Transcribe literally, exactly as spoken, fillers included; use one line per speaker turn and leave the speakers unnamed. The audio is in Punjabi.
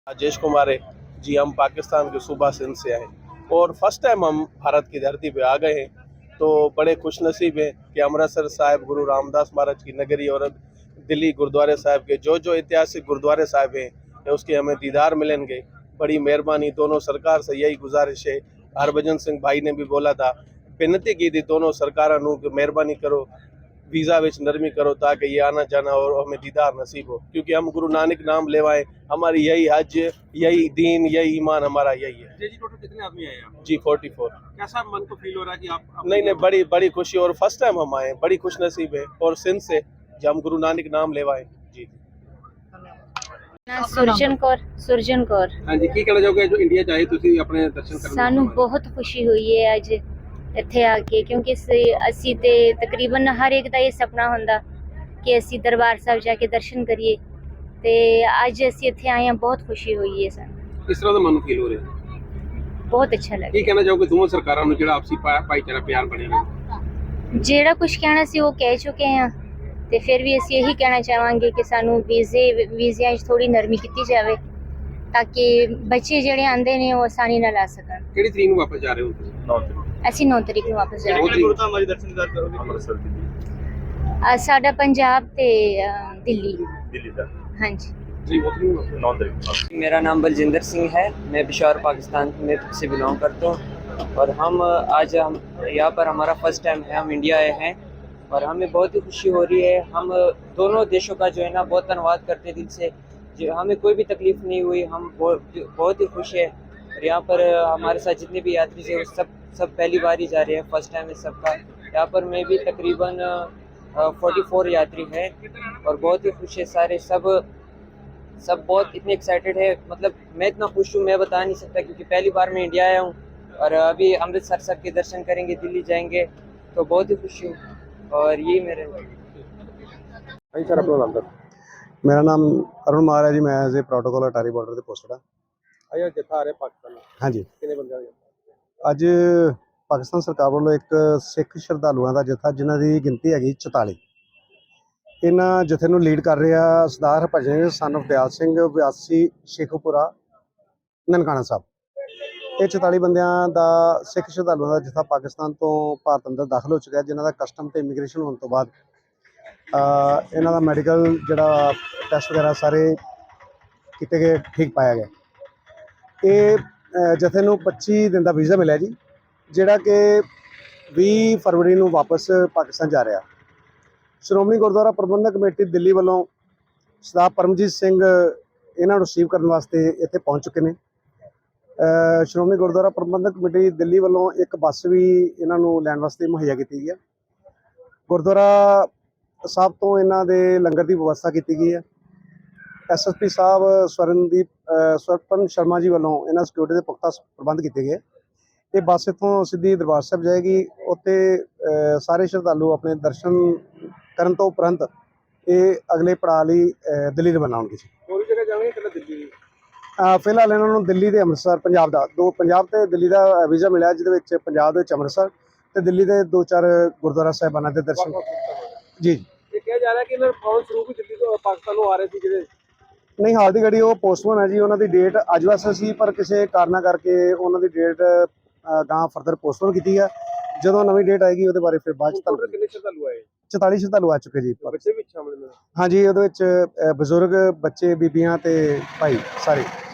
राजेश कुमार है जी। हम पाकिस्तान के सूबा सिंध से आए और फर्स्ट टाइम हम भारत की धरती पे आ गए हैं, तो बड़े खुशनसीब हैं कि अमृतसर साहिब गुरु रामदास महाराज की नगरी और दिल्ली गुरुद्वारे साहिब के जो जो ऐतिहासिक गुरुद्वारे साहिब हैं उसके हमें दीदार मिलेंगे। बड़ी मेहरबानी। दोनों सरकार से यही गुजारिश है, हरभजन सिंह भाई ने भी बोला था, बेनती की थी दोनों सरकारों को कि मेहरबानी करो वीज़ा विच नरमी करो ताकि ये आना जाना और हमें दीदार नसीब हो, क्योंकि हम गुरु नानक नाम लेवाएं, हमारी यही हज, यही दीन, यही ईमान हमारा यही है।
जी जी, टोटल कितने आदमी आए आप?
जी फोर्टी फोर।
कैसा मन को फील हो रहा है कि आप, आप
नहीं नहीं, बड़ी बड़ी खुशी और फर्स्ट टाइम हम आए, बड़ी खुश नसीब है और सिंध से जब हम गुरु नानक नाम लेवाएं जी।
ਸੁਰਜਨ ਕੌਰ ਸੁਰਜਨ ਕੌਰ
हाँ जी, की कहना चाहोगे जो इंडिया जाए ਤੁਸੀਂ ਆਪਣੇ ਦਰਸ਼ਨ ਕਰਨ?
ਸਾਨੂੰ ਬਹੁਤ ਖੁਸ਼ੀ ਹੋਈ ਹੈ ਅੱਜ ਇੱਥੇ ਆ ਕੇ, ਕਿਉਂਕਿ ਸ- ਅਸੀਂ ਤੇ ਤਕਰੀਬਨ ਹਰ ਇੱਕ ਦਾ ਇਹ ਸੁਪਨਾ ਹੁੰਦਾ ਕਿ ਅਸੀਂ ਦਰਬਾਰ ਸਾਹਿਬ ਜਾ ਕੇ ਦਰਸ਼ਨ ਕਰੀਏ, ਤੇ ਅੱਜ ਅਸੀਂ ਇੱਥੇ ਆਏ ਹਾਂ, ਬਹੁਤ ਖੁਸ਼ੀ ਹੋਈ ਹੈ ਸਾਨੂੰ,
ਕਿਸ ਤਰ੍ਹਾਂ ਦਾ ਮਨ ਫੀਲ ਹੋ ਰਿਹਾ?
ਬਹੁਤ ਅੱਛਾ ਲੱਗਾ।
ਕੀ ਕਹਿਣਾ ਚਾਹੋਗੇ ਦੋਵਾਂ ਸਰਕਾਰਾਂ ਨੂੰ ਜਿਹੜਾ ਆਪਸੀ ਭਾ- ਭਾਈਚਾਰਾ ਪਿਆਰ ਬਣਿਆ ਰਹੇ?
ਜਿਹੜਾ ਕੁਝ ਕਹਿਣਾ ਸੀ ਉਹ ਕਹਿ ਚੁੱਕੇ ਹਾਂ, ਤੇ ਫਿਰ ਵੀ ਅਸੀਂ ਇਹੀ ਕਹਿਣਾ ਚਾਹਾਂਗੇ ਕਿ ਸਾਨੂੰ ਵੀਜ਼ੇ ਵੀਜ਼ਿਆਂ 'ਚ ਥੋੜੀ ਨਰਮੀ ਕੀਤੀ ਜਾਵੇ ਤਾਂ ਕਿ ਬੱਚੇ ਜਿਹੜੇ ਆਉਂਦੇ ਨੇ ਉਹ ਆਸਾਨੀ ਨਾਲ ਆ ਸਕਣ।
ਕਿਹੜੀ ਤਰੀਕ ਨੂੰ ਵਾਪਸ ਜਾ ਰਹੇ ਹੋ ਤੁਸੀਂ?
ਅਸੀਂ ਨੌ ਤਰੀਕ ਨੂੰ ਵਾਪਸ ਜਾਵਾਂਗੇ।
ਕਿਹੜੇ ਗੁਰਧਾਮਾਂ ਦੇ ਦਰਸ਼ਨ ਕਰੋਗੇ? ਅੰਮ੍ਰਿਤਸਰ ਦੀ
ਅ, ਸਾਡਾ ਪੰਜਾਬ ਤੇ ਅ, ਦਿੱਲੀ
दिल्ली तक
ਹਾਂਜੀ।
ਜੀ ਉਹ ਤਰੀਕ ਨੂੰ
नौ तारीख।
मेरा नाम बलजिंदर सिंह है। मैं पिशोर पाकिस्तान में से बिलोंग करता हूँ और हम आज हम यहाँ पर हमारा फर्स्ट टाइम है, हम इंडिया आए हैं और हमें बहुत ही खुशी हो रही है। हम दोनों देशों का जो है ना बहुत धन्यवाद करते दिल से, जो हमें कोई भी तकलीफ नहीं हुई, हम बहुत बहुत ही खुश है। और यहाँ पर हमारे साथ जितने भी यात्री थे वो सब सब पहली बार ही जा रहे हैं, फर्स्ट टाइम है सबका। यहाँ पर मैं भी तकरीबन फोर्टी फोर यात्री हैं और बहुत ही खुश है सारे, सब सब बहुत इतने एक्साइटेड है। मतलब मैं इतना खुश हूँ मैं बता नहीं सकता, क्योंकि पहली बार मैं इंडिया आया हूँ और अभी अमृतसर साहब के दर्शन करेंगे, दिल्ली जाएंगे, तो बहुत ही खुशी हूँ और यही मेरे।
ਹਾਂਜੀ ਸਰ, ਆਪਣਾ ਨਾਮ ਦੱਸੋ।
ਮੇਰਾ ਨਾਮ ਅਰੁਣ ਮਾਰ ਹੈ ਜੀ। ਮੈਂ as a protocol Attari border ਤੇ ਪੋਸਟਡ ਹਾਂ।
ਆਇਆ ਜੱਥਾ ਆ ਰਿਹਾ ਪਾਕਿਸਤਾਨ ਨੂੰ,
ਹਾਂਜੀ,
ਕਿੰਨੇ ਬੰਦੇ ਆ?
ਅੱਜ ਪਾਕਿਸਤਾਨ ਸਰਕਾਰ ਵੱਲੋਂ ਇੱਕ ਸਿੱਖ ਸ਼ਰਧਾਲੂਆਂ ਦਾ ਜਥਾ, ਜਿਨ੍ਹਾਂ ਦੀ ਗਿਣਤੀ ਹੈਗੀ ਚੁਤਾਲੀ, ਇਹਨਾਂ ਜਥੇ ਨੂੰ ਲੀਡ ਕਰ ਰਿਹਾ ਸਰਦਾਰ ਹਰਭਜਨ ਸਨ ਆਫ ਦਿਆਲ ਸਿੰਘ, ਵਿਆਸੀ ਸ਼ੇਖੂਪੁਰਾ ਨਨਕਾਣਾ ਸਾਹਿਬ। ਇਹ ਚੁਤਾਲੀ ਬੰਦਿਆਂ ਦਾ ਸਿੱਖ ਸ਼ਰਧਾਲੂਆਂ ਦਾ ਜਥਾ ਪਾਕਿਸਤਾਨ ਤੋਂ ਭਾਰਤ ਅੰਦਰ ਦਾਖਲ ਹੋ ਚੁੱਕਾ ਹੈ, ਜਿਨ੍ਹਾਂ ਦਾ ਕਸਟਮ ਤੇ ਇਮੀਗ੍ਰੇਸ਼ਨ ਹੋਣ ਤੋਂ ਬਾਅਦ ਅ, ਇਹਨਾਂ ਦਾ ਮੈਡੀਕਲ ਜਿਹੜਾ ਟੈਸਟ ਵਗੈਰਾ ਸਾਰੇ ਕੀਤੇ ਗਏ, ਠੀਕ ਪਾਇਆ ਗਿਆ। ਇਹ ਅ, ਜਥੇ ਨੂੰ ਪੱਚੀ ਦਿਨ ਦਾ ਵੀਜ਼ਾ ਮਿਲਿਆ ਜੀ, ਜਿਹੜਾ ਕਿ ਵੀਹ ਫਰਵਰੀ ਨੂੰ ਵਾਪਸ ਪਾਕਿਸਤਾਨ ਜਾ ਰਿਹਾ। ਸ਼੍ਰੋਮਣੀ ਗੁਰਦੁਆਰਾ ਪ੍ਰਬੰਧਕ ਕਮੇਟੀ ਦਿੱਲੀ ਵੱਲੋਂ ਸਰਦਾਰ ਪਰਮਜੀਤ ਸਿੰਘ ਇਹਨਾਂ ਨੂੰ ਰਿਸੀਵ ਕਰਨ ਵਾਸਤੇ ਇੱਥੇ ਪਹੁੰਚ ਚੁੱਕੇ ਨੇ। ਅ, ਸ਼੍ਰੋਮਣੀ ਗੁਰਦੁਆਰਾ ਪ੍ਰਬੰਧਕ ਕਮੇਟੀ ਦਿੱਲੀ ਵੱਲੋਂ ਇੱਕ ਬੱਸ ਵੀ ਇਹਨਾਂ ਨੂੰ ਲੈਣ ਵਾਸਤੇ ਮੁਹੱਈਆ ਕੀਤੀ ਗਈ ਹੈ। ਗੁਰਦੁਆਰਾ ਸਾਹਿਬ ਤੋਂ ਇਹਨਾਂ ਦੇ ਲੰਗਰ ਦੀ ਵਿਵਸਥਾ ਕੀਤੀ ਗਈ ਹੈ। S S P sahib Swarandeep Swarpan Sharma ji ਵੱਲੋਂ ਇਹਨਾਂ ਸਿਕਿਉਰਿਟੀ ਦੇ ਪੁਖਤਾ ਪ੍ਰਬੰਧ ਕੀਤੇ ਗਏ। ਇਹ ਬੱਸ ਇੱਥੋਂ ਸਿੱਧੀ ਦਰਬਾਰ ਸਾਹਿਬ ਜਾਏਗੀ। ਉੱਥੇ ਅ, ਸਾਰੇ ਸ਼ਰਧਾਲੂ ਆਪਣੇ ਦਰਸ਼ਨ ਕਰਨ ਤੋਂ ਉਪਰੰਤ ਇਹ ਅਗਲੇ ਪੜਾਅ ਲਈ ਅ, ਦਿੱਲੀ ਰਵਾਨਾ ਹੋਣਗੇ ਜੀ।
ਹੋਰ ਜਗ੍ਹਾ ਜਾਣਗੇ ਕਿ ਦਿੱਲੀ?
ਅ, ਫਿਲਹਾਲ ਇਹਨਾਂ ਨੂੰ ਦਿੱਲੀ ਤੇ ਅੰਮ੍ਰਿਤਸਰ, ਪੰਜਾਬ ਦਾ ਦੋ ਪੰਜਾਬ ਤੇ ਦਿੱਲੀ ਦਾ ਵੀਜ਼ਾ ਮਿਲਿਆ, ਜਿਹਦੇ ਵਿੱਚ ਪੰਜਾਬ ਦੇ ਵਿੱਚ ਅੰਮ੍ਰਿਤਸਰ ਤੇ ਦਿੱਲੀ ਦੇ ਦੋ ਚਾਰ ਗੁਰਦੁਆਰਾ ਸਾਹਿਬਾਨਾਂ ਦੇ ਦਰਸ਼ਨ। ਜੀ ਜੀ।
ਇਹ ਕਿਹਾ ਜਾ ਰਿਹਾ ਕਿ ਇਹਨਾਂ ਫੌਜ ਸਰੂਪ ਦਿੱਲੀ ਤੋਂ ਪਾਕਿਸਤਾਨ ਨੂੰ ਆ ਰਹੇ ਸੀ ਜਿਹੜੇ?
ਨਹੀਂ, ਹਾਲ ਦੀ ਘੜੀ ਉਹ ਪੋਸਟਪੋਨ ਹੈ ਜੀ। ਉਹਨਾਂ ਦੀ ਡੇਟ ਅੱਜ ਵਾਸਤੇ ਸੀ, ਪਰ ਕਿਸੇ ਕਾਰਨਾਂ ਕਰਕੇ ਉਹਨਾਂ ਦੀ ਡੇਟ ਗਾਂ ਫਰਦਰ ਪੋਸਟਪੋਨ ਕੀਤੀ ਹੈ। ਜਦੋਂ ਨਵੀਂ ਡੇਟ ਆਏਗੀ ਉਹਦੇ ਬਾਰੇ ਫਿਰ ਬਾਅਦ ਚ ਤੁਹਾਨੂੰ।
ਕਿੰਨੇ ਸ਼ਰਧਾਲੂ ਆਏ?
ਚੁਤਾਲੀ ਸ਼ਰਧਾਲੂ ਆ ਚੁੱਕੇ ਜੀ।
ਬੱਚੇ ਵੀ ਸ਼ਾਮਲ ਨੇ?
ਹਾਂਜੀ, ਉਹਦੇ ਵਿੱਚ ਅ, ਬਜ਼ੁਰਗ, ਬੱਚੇ, ਬੀਬੀਆਂ ਤੇ ਭਾਈ ਸਾਰੇ।